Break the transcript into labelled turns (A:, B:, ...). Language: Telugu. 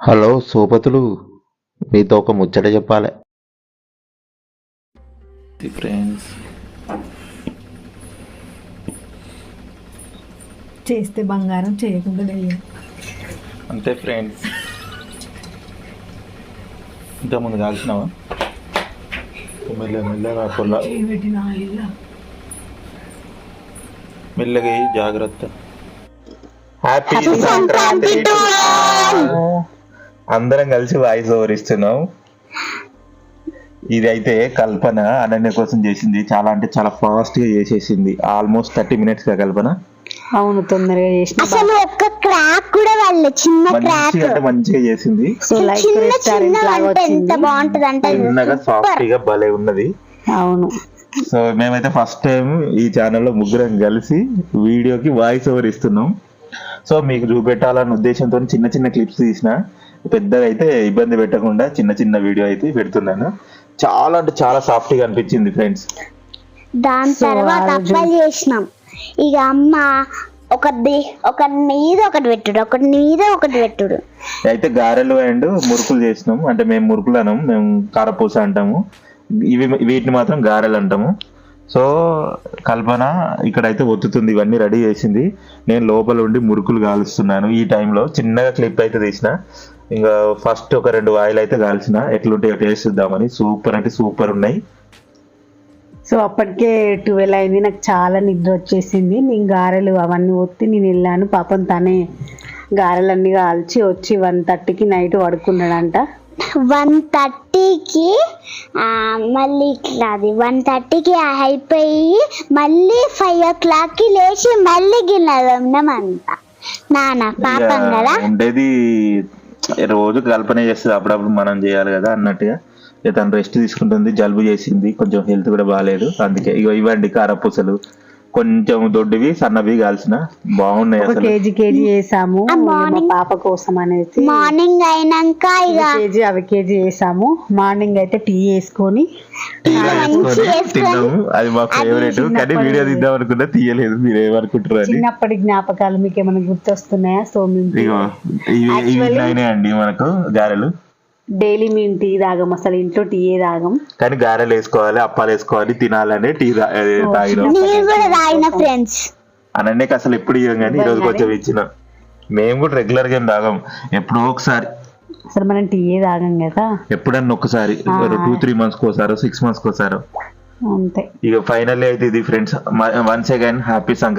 A: హలో సోపతులు, మీతో ఒక ముచ్చట చెప్పాలి.
B: ఫ్రెండ్స్
C: చేస్తే బంగారం, చేయకుండా దెయ్యం.
B: అంతే ఫ్రెండ్స్. ఇంతకుముందు కాల్చినావా? మెల్లగా పొల్ల
C: చేయబెట్టిన ఆయిల్
B: మెల్లగా జాగ్రత్త.
A: హ్యాపీ సంక్రాంతి టు అందరం కలిసి వాయిస్ ఓవర్ ఇస్తున్నాం. ఇదైతే కల్పన అనన్య కోసం చేసింది. చాలా అంటే చాలా ఫాస్ట్ గా చేసేసింది. ఆల్మోస్ట్ 30 minutes గా కల్పన.
D: అవును, తొందరగా చేసిన.
E: అసలు ఒక్క క్రాక్ కూడా వాళ్ళ చిన్న క్రాక్
A: మంచిగా చేసింది.
D: సో లైక్
E: చిన్న
D: రెస్టారెంట్
E: చిన్న
D: లాగా
E: అంటే ఎంత
D: వచ్చింది.
E: బాగుంటది అంటే
A: చిన్నగా సాఫ్ట్ గా భలే ఉన్నది.
D: అవును,
A: సో మేమైతే ఫస్ట్ టైం ఈ ఛానల్లో ముగ్గురం కలిసి వీడియోకి వాయిస్ ఓవర్ ఇస్తున్నాం. సో మీకు చూపెట్టాలన్న ఉద్దేశంతో చిన్న చిన్న క్లిప్స్ తీసిన, పెద్దగా అయితే ఇబ్బంది పెట్టకుండా చిన్న చిన్న వీడియో అయితే పెడుతున్నాను. చాలా అంటే చాలా సాఫ్ట్ గా అనిపించింది ఫ్రెండ్స్.
E: దాని తర్వాత అప్పాలు చేసినాం. ఇక అమ్మ ఒకటి మీద ఒకటి పెట్టుడు
A: అయితే గారెలు అండ్ మురుకులు చేసినాం. అంటే మేము మురుకులు అనం, మేము కారపూస అంటాము. వీటిని మాత్రం గారెలు అంటాము. సో కల్పన ఇక్కడైతే ఒత్తుతుంది, ఇవన్నీ రెడీ చేసింది. నేను లోపల ఉండి మురుకులు కాలుస్తున్నాను. ఈ టైంలో చిన్నగా క్లిప్ అయితే తీసిన. ఇంకా ఫస్ట్ ఒక 2 వాయిలు అయితే కాల్చిన, ఎట్లుంటాయో టేస్ట్ ఇద్దామని. సూపర్ అంటే సూపర్ ఉన్నాయి.
D: సో అప్పటికే 12 అయింది. నాకు చాలా నిద్ర వచ్చేసింది. నేను గారెలు అవన్నీ ఒత్తి నేను వెళ్ళాను. పాపం తనే గారెలన్నీ కాల్చి వచ్చి 1:30కి నైట్ పడుకున్నాడంట.
E: 1:30కి మళ్ళీ ఇట్లా అది 1:30కి అయిపోయి మళ్ళీ 5 o'clockకి లేచి మళ్ళీ గిన్నెలన్నామంట. నాన్న పాపం కదా
A: ఉండేది. రోజు కల్పన చేస్తుంది, అప్పుడప్పుడు మనం చేయాలి కదా అన్నట్టుగా. తను రెస్ట్ తీసుకుంటుంది. జలుబు చేసింది, కొంచెం హెల్త్ కూడా బాగాలేదు. అందుకే ఇవ్వండి కారపూసలు, కొంచెం దొడ్డివి సన్నవి కాల్సిన బాగున్నాయి.
D: ఒక
A: అసలు
D: కేజీ వేసాము మా పాప కోసం అనేసి.
E: మార్నింగ్ అయినాక ఇక
D: కేజీ వేసాము. మార్నింగ్ అయితే టీ వేసుకొని
A: తిన్నాము. అది మా ఫేవరెట్. కానీ వీడియో తీద్దాం అనుకున్నా తీయలేదు. మీరు ఏమనుకుంటారు అని.
D: చిన్నప్పటి జ్ఞాపకాలు మీకు ఏమైనా గుర్తొస్తున్నాయా? సో
A: ఇవి అండి మనకు గారెలు.
D: డైలీ మేము టీ తాగం, అసలు ఇంట్లో టీ తాగం.
A: కానీ గారెలు వేసుకోవాలి, అప్పాలు వేసుకోవాలి, తినాలని టీ తాగినాం.
E: నేను కూడా తాగిన ఫ్రెండ్స్.
A: అనన్యకి అసలు ఎప్పుడు ఇవ్వం, కానీ ఈ రోజు కొంచెం ఇచ్చిన. మేము కూడా రెగ్యులర్ గా ఏం తాగం, ఎప్పుడో ఒకసారి.
D: అసలు మనం టీ తాగం కదా,
A: ఎప్పుడన్నా ఒకసారి 2-3 months కోసారో 6 months కోసారో
D: అంతే.
A: ఇక ఫైనల్ అయితే ఇది friends. Once again happy Sankranti.